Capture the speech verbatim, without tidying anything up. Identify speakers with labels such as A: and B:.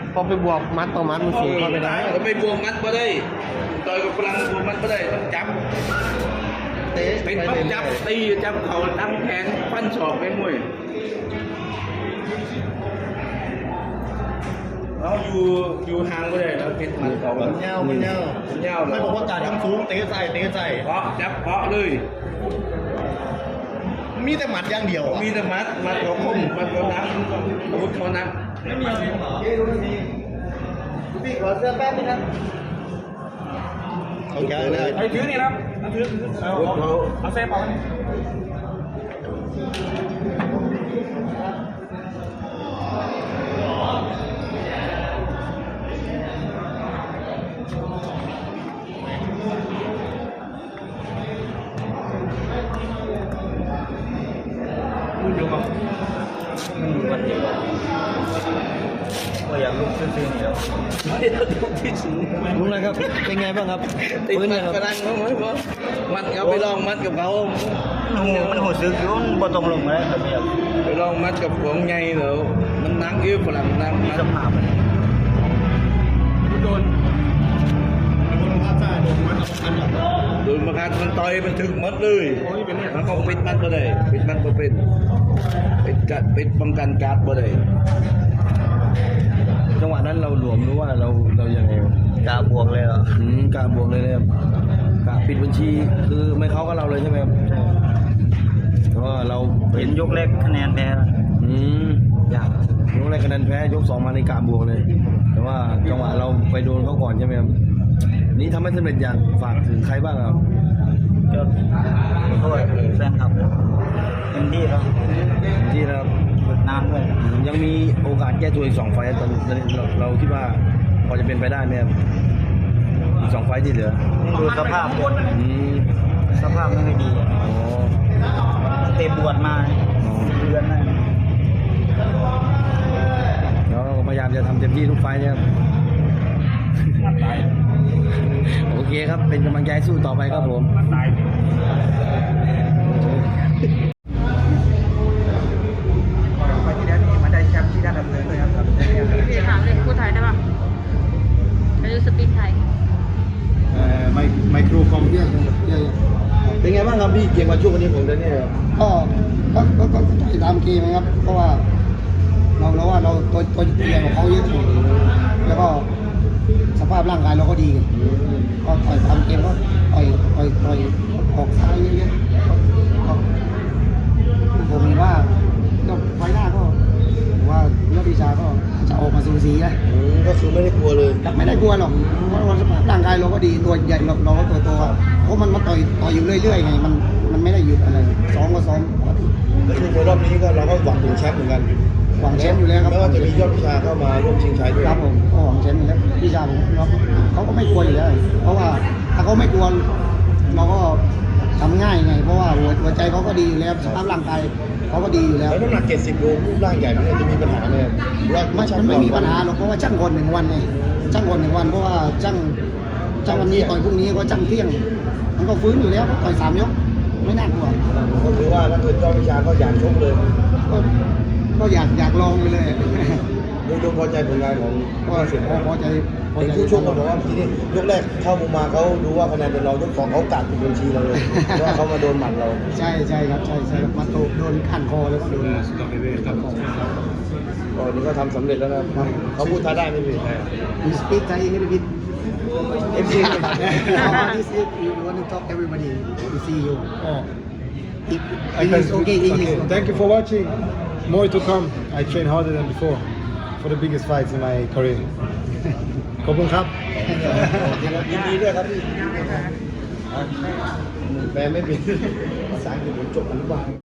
A: พอไปบวกมัดต่อมัดมันสูงเข้าไปได้
B: เราไปบวกมัดมาได้ต่อยกับพลังบวกมัดมาได้ต้องจับเป็นปั๊บจับตีจับเข่าตั้งแขนฟันศอกไปมวยเราอยู่อยู่ห่างก็ได้เราเป็นมันเก่ามันเงามันเงามันเงาไม่บอกว่าการทำสูงเตะใส่เตะใส่เพาะจับเพาะเลย
A: มีแต่หมัดอย่างเดียว
B: มีแต่มัดมัดเขาคมมัดเขานักอาวุธเขานักไม่มีอะไรเย้ดูนี่พี่ขอเสื้อแป๊บนึงนะ
A: เขาแก่เลย
C: ไอ้ถือนี่ครับเอาถือเอาเอาเอาเซฟเอา
B: ก็อยากลุกขึ้นซีนี่แล้ว
A: ลุกเลยครับเป็นไงบ้างครับ
B: ติดมัดกระดังเขาไหมพ่อมัดเขาไปลองมัดกับเขา
C: มันหัวซึกยุ่นบ่ตรงลงมาแล้วแบบนี้
B: ไปลองมัดกับของไงเหรอมันนั่งยืดฝรั่งนั่ง
C: มีสภาพมันโดน
A: โดนมาฆ่าโดนมัดอันนี้
B: โดนมาฆ่ามันต่อยมันถึงมัดเลยมันก็ปิดมัดบ่ได้ปิดมัดบ่เป็นปิดกัดปิดป้องกันการ์ดบ่ได้
A: จังหวะนั้นเราหลวมหรือว่าเราเรายังไง
C: กาบวกเลยเหรอ
A: อืมกาบวกเลยเลยกาปิดบัญชีคือไม่เข้ากับเราเลยใช่ไหมครับเพราะว่าเรา
C: เห็นยกแรกคะแนนแพ้
A: อืม
C: ยาก
A: ยกแรกคะแนนแพ้ยกสองมาในกาบวกเลยแต่ว่าจังหวะเราไปโดนเขาก่อนใช่ไหมครับนี้ทำให้สำเร็จอยากฝากถึงใครบ้างครับ
C: ก็โทษแฟนคลับเต็มที่แล้ว
A: ที่เรา
C: นานด้วย
A: ยังมีโอกาสแก้ตัวอีกสองไฟตอนนี้เราเราคิดว่าพอจะเป็นไปได้ไหมครับอีกสองไฟที่เหลือ
C: ดูสภาพ
A: อืม
C: สภาพไม่ค่อยดี
A: อ๋อ
C: เตะบวชมาเดือนนั่น
A: เราพยายามจะทำเต็มที่ทุกไฟเนี่ยโอเคครับเป็นกำลังใจสู้ต่อไปครับผม
C: ที่ได้ดำเนินเลยครับ
D: พี่ถามเลยพูดไทยได้ป่ะอายุสปีดไทย
A: เอ่อไมไมโครคอมเนี่ยเป็นไงบ้างครับพี่เกมมาช่วงวันนี้ผมเนี่ย
E: ก็ก็ก็ก็ตามเกมนะครับเพราะว่าเราเราว่าเราตัวตัวเตี้ยกว่าเขาเยอะแล้วก็สภาพร่างกายเราก็ดีก็ต่อยตามเกมก็ต่อยต่อยต่อยออกซ้ายเยอะๆก็ผมเห็นว่าก็ไฟหน้าก็ว่ายอดวิชาก็จะออกมาสูสีนะ
A: ก็คือไม่ได้กลัวเลย
E: ไม่ได้กลัวหรอกเพราะว่าสภาพร่างกายเราก็ดีตัวใหญ่เราเราก็ตัวโตเพราะมันมาต่อยต่อยอยู่เรื่อยๆไงมันมันไม่ได้หยุดอะไรซ้อมก็ซ้อม
A: แล้วในรอบนี้ก็เราก็หวังถึงแชมป์เหมือนกัน
E: หวังแชมป์อยู่แล้วครับ
A: ไม่ว่าจะมียอดวิชาเข้ามาร่วมชิงชัยด้วย
E: ครับผมก็หวังแชมป์อยู่แล้ววิชาผมเขาก็ไม่กลัวอยู่แล้วเพราะว่าถ้าเขาไม่กลัวเราก็ทำง่ายไงเพราะว่าหัวใจเขาก็ดีอยู่แล้วสภาพร่างกายเขาก็ดีอยู่แล้ว
A: แล้วน้ำหนักเจ็ดสิบโลรูปร่างใหญ่มันจะมีปัญหาเลย
E: ว่ามันไม่มีปัญหาหรอกเพราะว่าช่างก่อนหนึ่งวันไงช่างก่อนหนึ่งวันเพราะว่าช่างช่างวันนี้ต่อยพรุ่งนี้ก็ช่างเที่ยงมันก็ฟื้นอยู่แล้วต่อยสามยกไม่น่ากลัว
A: ก็คือว่าถ้าเกิดยอดวิชาก็อยากชกเลย
E: ก็ก็อยากอยากลองไปเลย
A: ดูดูพอใจผลงานของ
E: ก็เสียพอใจ
A: พอใจผู้ชกเขาบอกว่าทีนี้ยกแรกเข้ามุมมาเขาดูว่าคะแนนเป็นเรายกสองเขากัดบัญชีเราเลยเพราะว่าเขามาโดนหมัดเรา
E: ใช่ใช่ครับใช่ใช่มาโดนโดนขันคอแล้วก็โดน
A: ก็นี่ก็ทำสำเร็จแล้วนะเขาพูดท้าได้ไม่ผิด
E: มีสปีกไทยไม่ผิดเอฟซี this is you want to talk everybody to see you
F: oh
E: English okay English
F: thank you for watching more to come I train harder than before for the biggest fights in my career ขอบคุณครับ
A: ยินดีด้วยครับพี่แปลไม่เป็นภาษาอังกฤษผมจบอนุบาล